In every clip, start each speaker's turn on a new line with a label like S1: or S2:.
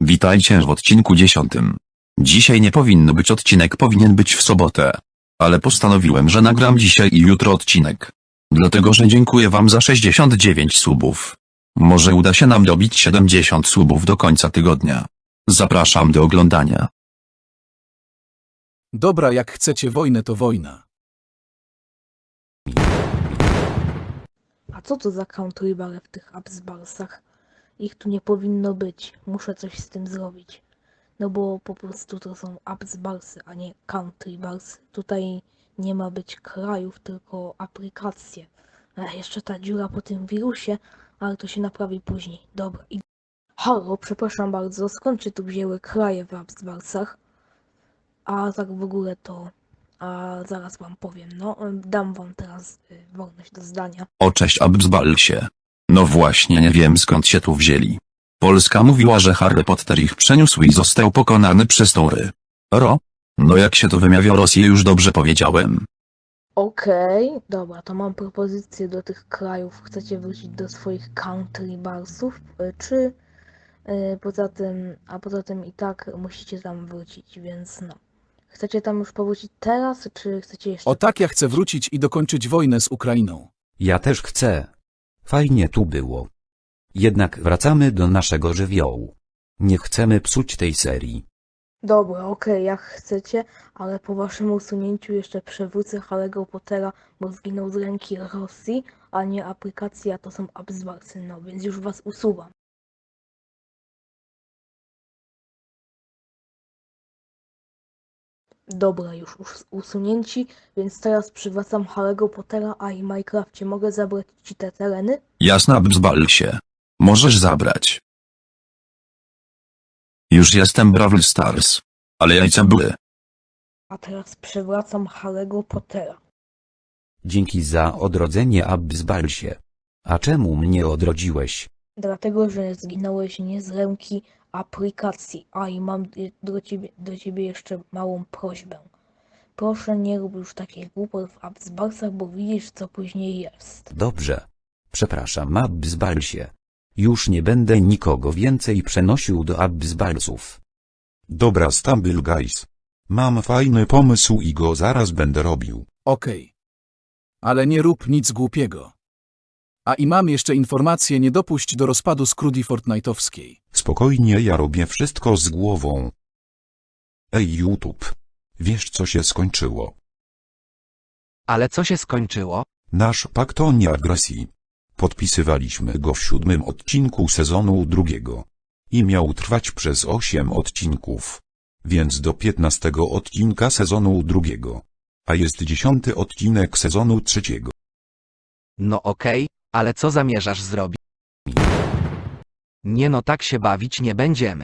S1: Witajcie w odcinku 10. Dzisiaj nie powinno być odcinek, powinien być w sobotę. Ale postanowiłem, że nagram dzisiaj i jutro odcinek. Dlatego, że dziękuję wam za 69 subów. Może uda się nam dobić 70 subów do końca tygodnia. Zapraszam do oglądania.
S2: Dobra, jak chcecie wojnę, to wojna.
S3: A co to za countrybale w tych Absbalsach? Ich tu nie powinno być. Muszę coś z tym zrobić. No bo po prostu to są Absbalsy, a nie countrybalsy. Tutaj nie ma być krajów, tylko aplikacje. Jeszcze ta dziura po tym wirusie, ale to się naprawi później. Dobra. Halo, przepraszam bardzo, skąd się tu wzięły kraje w Absbalsach? A tak w ogóle to... A zaraz wam powiem, no. Dam wam teraz wolność do zdania.
S1: O cześć Absbalsie. No właśnie, nie wiem skąd się tu wzięli. Polska mówiła, że Harry Potter ich przeniósł i został pokonany przez Tory. No jak się to wymawia, Rosję już dobrze powiedziałem.
S3: Okej, dobra, to mam propozycję do tych krajów. Chcecie wrócić do swoich countrybalsów, czy poza tym i tak musicie tam wrócić, więc no. Chcecie tam już powrócić teraz, czy chcecie jeszcze...
S2: O tak, ja chcę wrócić i dokończyć wojnę z Ukrainą.
S4: Ja też chcę. Fajnie tu było. Jednak wracamy do naszego żywiołu. Nie chcemy psuć tej serii.
S3: Dobra, okej, jak chcecie, ale po waszym usunięciu jeszcze przywrócę Harry'ego Pottera, bo zginął z ręki Rosji, a nie aplikacji, a to są Absbalsy, no więc już was usuwam. Dobra, już usunięci, więc teraz przywracam Harry'ego Pottera, a i Minecrafcie mogę zabrać ci te tereny?
S1: Jasne Absbalsie. Możesz zabrać. Już jestem Brawl Stars. Ale jajca były.
S3: A teraz przywracam Harry'ego Pottera.
S4: Dzięki za odrodzenie, Absbalsie. A czemu mnie odrodziłeś?
S3: Dlatego, że zginąłeś nie z ręki aplikacji. A i mam do ciebie jeszcze małą prośbę. Proszę, nie rób już takich głupot w Absbalsach, bo widzisz, co później jest.
S4: Dobrze. Przepraszam, Absbalsie. Już nie będę nikogo więcej przenosił do Absbalsów.
S5: Dobra Stumble Guys. Mam fajny pomysł i go zaraz będę robił.
S2: Okej. Ale nie rób nic głupiego. A i mam jeszcze informację, nie dopuść do rozpadu Scrudi Fortnite'owskiej.
S5: Spokojnie, ja robię wszystko z głową. Ej YouTube. Wiesz co się skończyło?
S6: Ale co się skończyło?
S5: Nasz pakt o nieagresji. Podpisywaliśmy go w 7. odcinku sezonu 2. I miał trwać przez 8 odcinków. Więc do 15 odcinka sezonu 2. A jest 10 odcinek sezonu 3.
S6: No okej, ale co zamierzasz zrobić? Nie no, tak się bawić nie będziemy.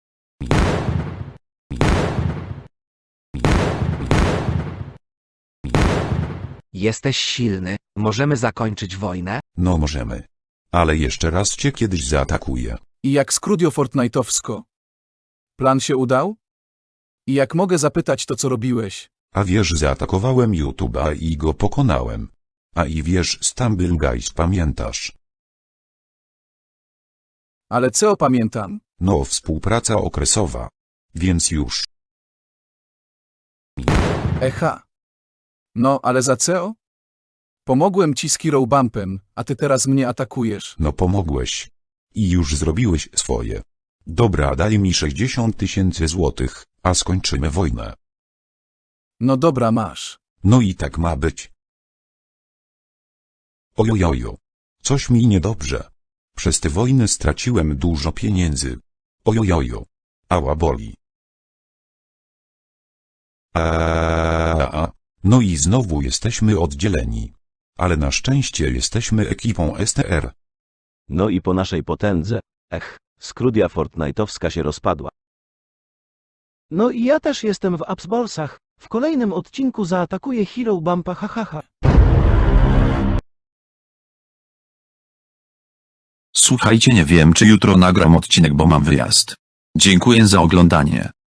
S6: Jesteś silny, możemy zakończyć wojnę?
S5: No możemy. Ale jeszcze raz cię kiedyś zaatakuję.
S2: I jak Scrudio Fortnite'owsko? Plan się udał? I jak mogę zapytać, to co robiłeś?
S5: A wiesz, zaatakowałem YouTube'a i go pokonałem. A i wiesz, Stumble Guys, pamiętasz?
S2: Ale co pamiętam?
S5: No, współpraca okresowa. Więc już.
S2: Echa. No, ale za co? Pomogłem ci z Hero Bumpem, a ty teraz mnie atakujesz.
S5: No pomogłeś. I już zrobiłeś swoje. Dobra, daj mi 60 000 złotych, a skończymy wojnę.
S2: No dobra, masz.
S5: No i tak ma być. Ojojojo. Coś mi niedobrze. Przez te wojny straciłem dużo pieniędzy. Ojojojo. Ała boli. No i znowu jesteśmy oddzieleni. Ale na szczęście jesteśmy ekipą STR.
S7: No i po naszej potędze, Scrudia Fortnite'owska się rozpadła.
S8: No i ja też jestem w Absbalsach. W kolejnym odcinku zaatakuję Hero Bumpa, hahaha.
S1: Słuchajcie, nie wiem czy jutro nagram odcinek, bo mam wyjazd. Dziękuję za oglądanie.